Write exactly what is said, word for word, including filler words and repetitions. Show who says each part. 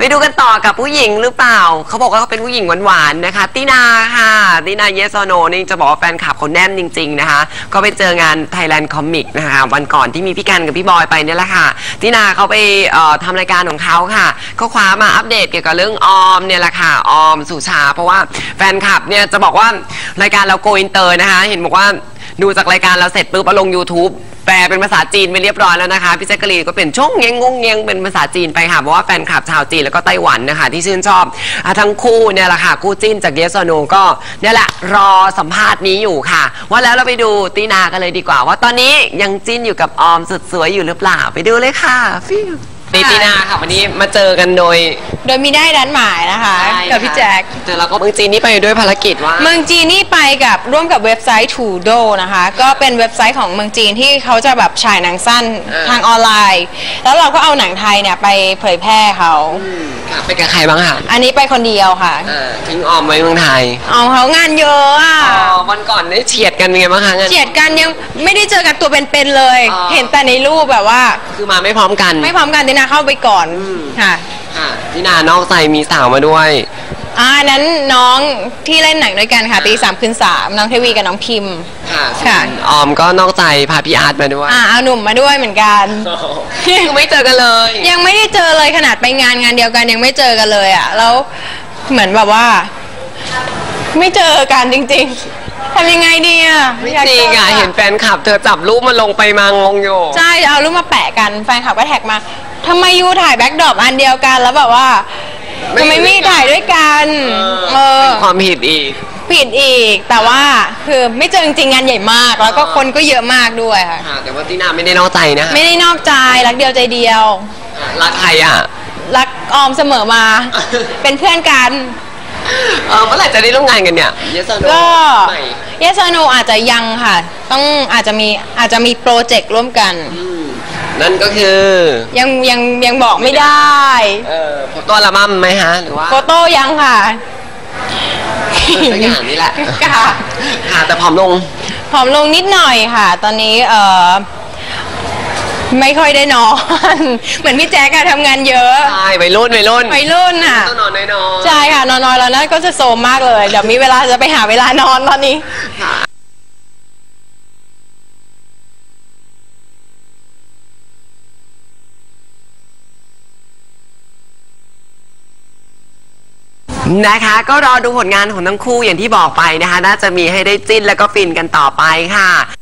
Speaker 1: ไปดูกันต่อกับผู้หญิงหรือเปล่าเขาบอกว่าเขาเป็นผู้หญิงหวานๆนะคะตินาค่ะตินาเยสโนนี่จะบอกว่าแฟนคลับเขาแน่นจริงๆนะคะก็ไปเจองาน Thailand Comic นะคะวันก่อนที่มีพี่กันกับพี่บอยไปเนี่ยแหละค่ะตินาเขาไปทำรายการของเขาค่ะเขาคว้ามาอัปเดตเกี่ยวกับเรื่องออมเนี่ยแหละค่ะออมสุชาเพราะว่าแฟนคลับเนี่ยจะบอกว่ารายการเราโกอินเตอร์นะคะเห็นบอกว่าดูจากรายการเราเสร็จปุ๊บเอาลง YouTube แปลเป็นภาษาจีนไปเรียบร้อยแล้วนะคะพี่แจ๊กกะลีนก็เป็นช่องเงงงงเงงเป็นภาษาจีนไปค่ะเพราะว่าแฟนคลับชาวจีนแล้วก็ไต้หวันนะคะที่ชื่นชอบทั้งคู่เนี่ยแหละค่ะคู่จิ้นจากเยสโนก็เนี่ยแหละรอสัมภาษณ์นี้อยู่ค่ะว่าแล้วเราไปดูตีนากันเลยดีกว่าว่าตอนนี้ยังจิ้นอยู่กับออมสุดสวยอยู่หรือเปล่าไปดูเลยค่ะฟิวตีนาค่ะวันนี้มาเจอกันโดย
Speaker 2: โดยมีได้ดันหมายนะคะกับพี่แจ็ค
Speaker 1: เจอแล้วก็เมืองจีนนี่ไปด้วยภารกิจว่า
Speaker 2: เมืองจีนนี่ไปกับร่วมกับเว็บไซต์ทูโดนะคะก็เป็นเว็บไซต์ของเมืองจีนที่เขาจะแบบฉายหนังสั้นทางออนไลน์แล้วเราก็เอาหนังไทยเนี่ยไปเผยแพร่เขา
Speaker 1: ไปกับใครบ้างคะ
Speaker 2: อันนี้ไปคนเดียวค่ะ
Speaker 1: ทิ้งออมไว้เมืองไทย
Speaker 2: เอาเขางานเยอะอ่ะ
Speaker 1: วันก่อนได้เฉียดกันไงบ้างคะ
Speaker 2: เฉียดกันยังไม่ได้เจอกันตัวเป็นๆเลยเห็นแต่ในรูปแบบว่า
Speaker 1: คือมาไม่พร้อมกัน
Speaker 2: ไม่พร้อมกันตินาเข้าไปก่อนค่ะ
Speaker 1: ตินานอกใจมีสาวมาด้วย
Speaker 2: อ่านั้นน้องที่เล่นหนังด้วยกันค่ะตีสามคืนสามน้องเทวีกับน้องพิม
Speaker 1: ค่ะค่ะออมก็นอกใจพาพี่อาร์ตมาด้วย
Speaker 2: อ่าเอาหนุ่มมาด้วยเหมือนกัน
Speaker 1: คือไม่เจอกันเลย
Speaker 2: ยังไม่ได้เจอเลยขนาดไปงานงานเดียวกันยังไม่เจอกันเลยอ่ะแล้วเหมือนแบบว่าไม่เจอกันจริงๆทำยังไงดีอ่ะ
Speaker 1: ไม่จริงอ่ะเห็นแฟนคลับเธอจับรูปมาลงไปมางงอยู่
Speaker 2: ใช่เอารูปมาแปะกันแฟนคลับก็แท็กมาทำไมยูถ่ายแบ็คดรอปอันเดียวกันแล้วแบบว่าทำไมไม่ถ่ายด้วยกัน
Speaker 1: เออเป็นความผิดอีก
Speaker 2: ผิดอีกแต่ว่าคือไม่เจอจริงงานใหญ่มากแล้วก็คนก็เยอะมากด้วยค่ะ
Speaker 1: แต่ว่าตินาไม่ได้นอกใจนะ
Speaker 2: ไม่ได้นอกใจรักเดียวใจเดียว
Speaker 1: รักใครอ่ะ
Speaker 2: รักออมเสมอมาเป็นเพื่อนกัน
Speaker 1: เออเมื่อไหร่จะได้ร่วมงานกันเนี่ยเยสโน
Speaker 2: ก็เยสโนอาจจะยังค่ะต้องอาจจะมีอาจจะมีโปรเจกต์ร่วมกัน
Speaker 1: นั่นก็คือ
Speaker 2: ยังยังยังบอกไม่ได้
Speaker 1: เออโฟโต้อัลบั้มไหมฮะหรือว่า
Speaker 2: โฟโต้ยังค่ะ
Speaker 1: สักอย่างนี้แหละ
Speaker 2: ค่ะ
Speaker 1: ค่ะแต่ผอมลง
Speaker 2: ผอมลงนิดหน่อยค่ะตอนนี้เออไม่ค่อยได้นอนเหมือนพี่แจ๊กอะทำงานเยอะ
Speaker 1: ใช่วัยรุ่นวัยรุ่น
Speaker 2: วัยรุ่นค่ะ
Speaker 1: ต้องนอนน้อย
Speaker 2: ๆใช่ค่ะนอนน้อยแล้วนั่นก็จะโซมมากเลยเดี๋ยวมีเวลาจะไปหาเวลานอนตอนนี้
Speaker 1: นะคะก็รอดูผลงานของทั้งคู่อย่างที่บอกไปนะคะน่าจะมีให้ได้จิ้นแล้วก็ฟินกันต่อไปค่ะ